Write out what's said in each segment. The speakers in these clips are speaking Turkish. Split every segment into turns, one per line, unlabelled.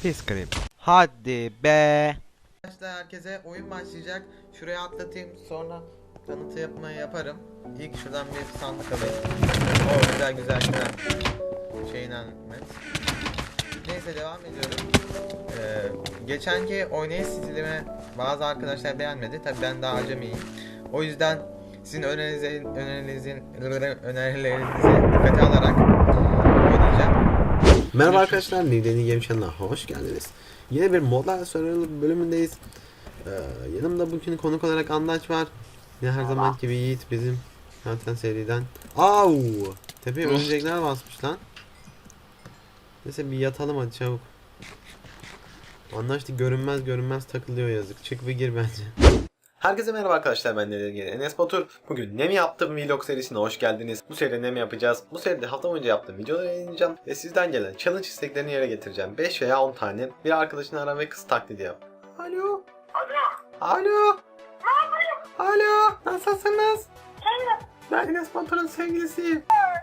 Pis klip. Hadi be.
Arkadaşlar herkese oyun başlayacak. Şuraya atlatayım sonra tanıtı yapmayı yaparım. İlk şuradan bir sandık alayım. O güzel. Şeyinden met. Neyse devam ediyorum. Geçenki oynayış stilimi bazı arkadaşlar beğenmedi. Tabi ben daha acemiyim. O yüzden sizin önerilerinizi dikkate alarak oynayacağım.
Merhaba arkadaşlar, Nideni Game Channel'a hoş geldiniz. Yine bir modlar Survival bölümündeyiz. Yanımda bugün konuk olarak Andaç var. Yine her zaman gibi Yiğit bizim zaten seriden. Au! Tepeye örümcekler basmış lan. Neyse bir yatalım hadi çabuk. Andaç da görünmez takılıyor yazık. Çık ve gir bence. Herkese merhaba arkadaşlar, ben Enes Batur. Bugün ne mi yaptım vlog serisine hoş geldiniz. Bu seride ne mi yapacağız? Bu seride hafta boyunca yaptığım videoları yayınlayacağım ve sizden gelen challenge isteklerini yere getireceğim. 5 veya 10 tane. Bir arkadaşını ara ve kız taklidi yap. Alo. Alo. Alo. Nasılsınız? Ben Enes Batur'un sevgilisiyim.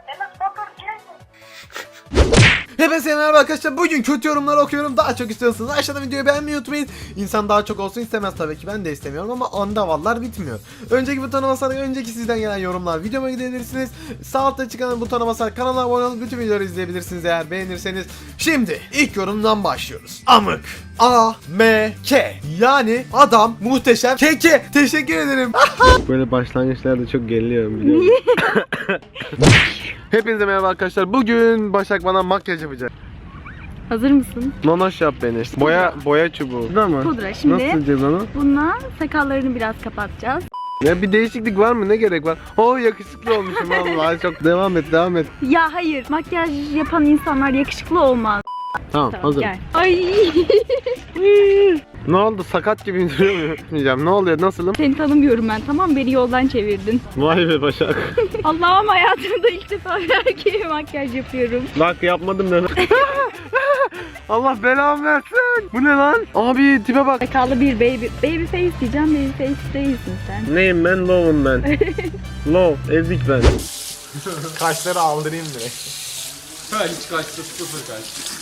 Hepinize merhaba arkadaşlar. Bugün kötü yorumları okuyorum. Daha çok istiyorsanız aşağıda videoyu beğenmeyi unutmayın. İnsan daha çok olsun istemez tabii ki. Ben de istemiyorum ama andavallar bitmiyor. Önceki butona basarak önceki sizden gelen yorumlar videoma gidebilirsiniz. Sağ altta çıkan butona basarak kanala abone olup bütün videoları izleyebilirsiniz eğer beğenirseniz. Şimdi ilk yorumdan başlıyoruz. Amık. A-M-K. Yani adam muhteşem keke. Teşekkür ederim.
Böyle başlangıçlarda çok geriliyorum biliyorum. Hepinize merhaba arkadaşlar. Bugün Başak bana makyaj yapacak.
Hazır mısın?
Nonoş yap beni. Boya çubuğu. Pudra mı?
Pudra. Şimdi
nasıl yapacağız onu?
bununla sakallarını biraz kapatacağız.
Ya bir değişiklik var mı? Ne gerek var? Yakışıklı olmuşum vallahi çok. Devam et.
Ya hayır, makyaj yapan insanlar yakışıklı olmaz.
Tamam hazır.
Gel. Ay.
Ne oldu? Sakat gibi duruyor. Ne oluyor? Nasılım?
Seni tanımıyorum ben, tamam, beni yoldan çevirdin.
Vay be Başak.
Allah'ım, hayatımda ilk defa bir erkeğe makyaj yapıyorum.
Bak yapmadım ben. Allah belamı versin. Bu ne lan? Abi tipe bak.
Sakallı bir baby face diyeceğim, baby face değilsin sen.
Neyim ben? Low'um ben. Low. Ezik ben.
Kaşları aldırayım direkt.
Hiç kaçtı, sıfır kaçtı.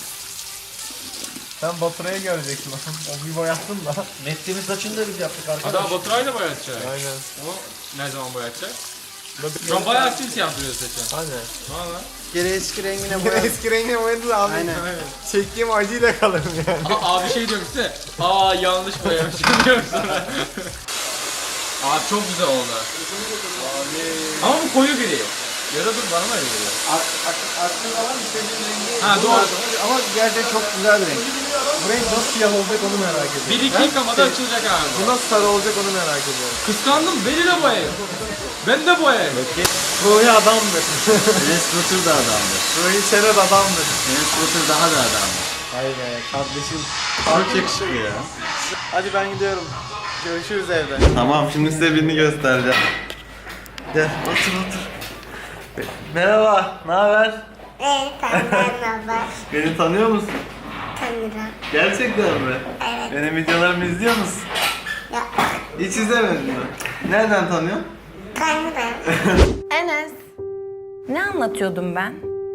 Sen Baturay'ı göreceksin. O bir boyattın da.
Mesleğimin saçını da biz yaptık arkadaşlar.
Daha Baturay'la boyatacak.
Aynen.
O ne zaman boyatacak? Şu an bayağı simsiyah duruyor saçın.
Hadi.
Valla.
Geri eski rengine boyadık.
Eski rengine boyadı abi.
Aynen.
Çektiğim acıyla kalırım yani.
Abi şey diyorum size. Yanlış boyamışım diyorum sonra. Abi çok güzel oldu. Ama bu koyu gri. Ya da dur bana mı öyle geliyor?
Aslında var istediğim rengi.
Ha doğru.
Ama gerçekten çok güzel bir renk. Bu renk nasıl siyah olacak onu merak ediyorum.
Bir iki yıkamada açılacak abi.
Bu nasıl sarı olacak onu merak ediyorum.
Kıskandım, beni de boyayın. Ben de boyayım.
Ruhi adamdır.
Enes Batur da adamdır.
Ruhi Çerez adamdır.
Enes Batur daha da adamdır.
Hayır be kardeşim.
Çok yakışıklı ya.
Hadi ben gidiyorum. Görüşürüz evde.
Tamam şimdi size birini göstereceğim.
Gel otur. Merhaba, ne haber? Beni tanıyor musun?
Tanırım.
Gerçekten mi?
Evet.
Benim videolarımı izliyor musun?
Ya,
Hiç izlemedin mi? Nereden tanıyorsun?
tanırım.
Enes, ne anlatıyordum ben?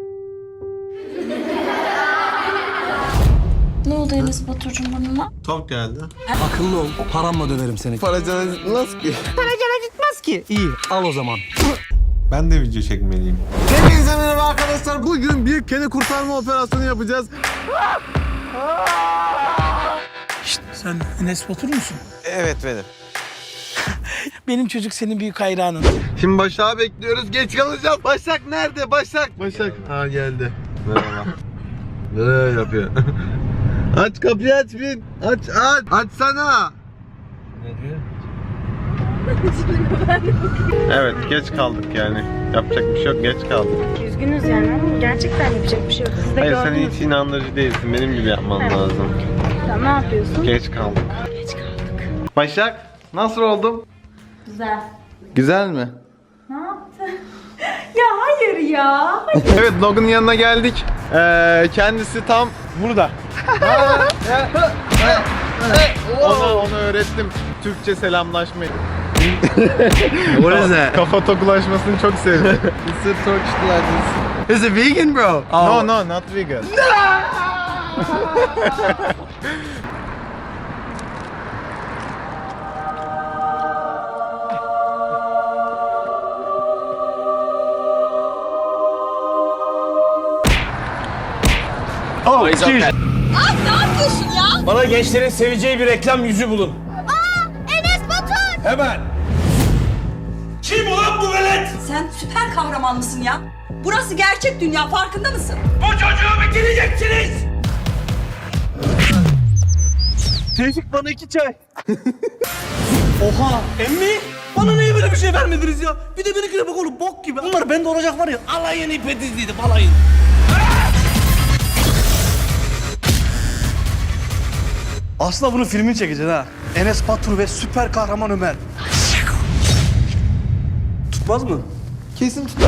Ne oldu Enes Baturcuğum burnuna?
Top geldi.
Akıllı ol, paramla döverim seni.
Paracana nasıl ki?
İyi, al o zaman.
Ben de video çekmeliyim. Hepinize merhaba arkadaşlar. Bugün bir kene kurtarma operasyonu yapacağız.
Sen Enes Batur musun?
Evet benim.
Benim çocuk senin büyük hayranın.
Şimdi Başak'ı bekliyoruz. Geç kalacağız. Başak nerede? Başak. Ha geldi. Merhaba. Ne yapıyor? Aç kapıyı aç bin. Aç. Açsana.
Ne diyor?
Evet geç kaldık yani. Yapacak bir şey yok, geç kaldık.
Üzgünüz yani ama gerçekten yapacak bir şey yok. Siz de
Hayır sen
gördünüz.
hiç inandırıcı değilsin. Benim gibi yapman lazım.
Sen ne yapıyorsun?
Geç kaldık. Başak nasıl oldum?
Güzel.
Güzel mi?
Ne yaptın? Ya hayır ya.
Evet Logan'ın yanına geldik. Kendisi tam burada. Onu öğrettim. Türkçe selamlaşmayı.
What is that?
Kafa tokulaşmasını çok sevdim.
It's a Turkish like this. Is it vegan bro?
No, not vegan.
Bana gençlerin seveceği bir reklam yüzü bulun.
Enes Batur!
Hemen. Kim ulan bu velet?
Sen süper kahraman mısın ya? Burası gerçek dünya, farkında mısın?
Bu çocuğu bitireceksiniz. Tevfik bana 2 çay. Oha emmi. Bana niye böyle bir şey vermediniz ya? Bir de benimkine bak oğlum bok gibi. Bunlar bende olacak var ya. Alayın ipe dizliydim alayın. Aslında bunun filmini çekeceksin ha. Enes Batur ve süper kahraman Ömer. Tutmaz mı?
Kesin tutar.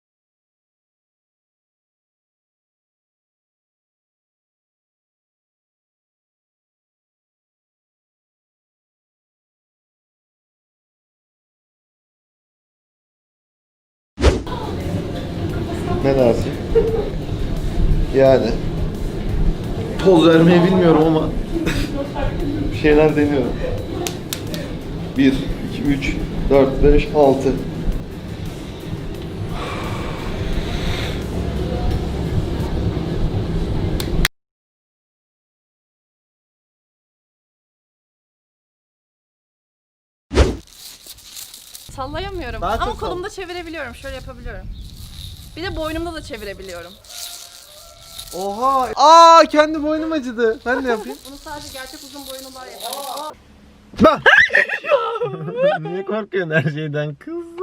Ne dersin? Yani poz vermeyi bilmiyorum ama bir şeyler deniyorum. 1, 2, 3, 4, 5, 6.
Sallayamıyorum
Daha
ama
çok
kolumda çevirebiliyorum. Şöyle yapabiliyorum. Bir de boynumda da çevirebiliyorum.
Oha. Aa, kendi boynum acıdı. Ben de yapayım.
Bunu sadece gerçek uzun boylular yapar.
Niye korkuyorsun her şeyden kızım?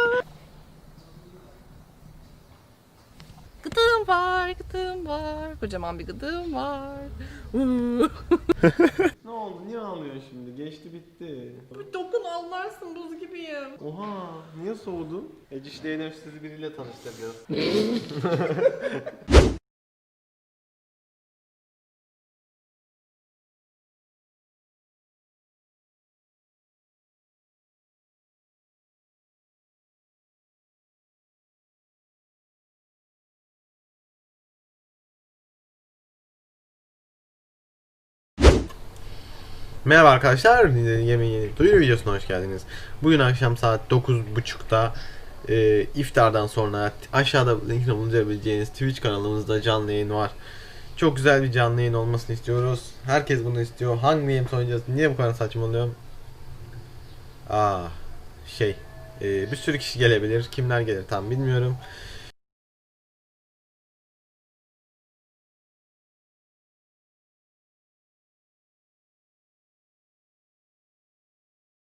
Gıdığım var, gıdığım var. Kocaman bir gıdığım var.
Ne oldu? Niye ağlıyorsun şimdi? Geçti bitti.
Bir dokun anlarsın, buz gibiyim.
Oha, niye soğudun? Eciş Değnev sizi biriyle tanıştıracağız.
Merhaba arkadaşlar, yemeği yeni duyuru videosuna hoş geldiniz. Bugün akşam saat 9.30'da iftardan sonra aşağıda linkini bulabileceğiniz Twitch kanalımızda canlı yayın var. Çok güzel bir canlı yayın olmasını istiyoruz. Herkes bunu istiyor. Hangi games oynayacağız? Niye bu kadar saçmalıyorum? Bir sürü kişi gelebilir. Kimler gelir tam bilmiyorum.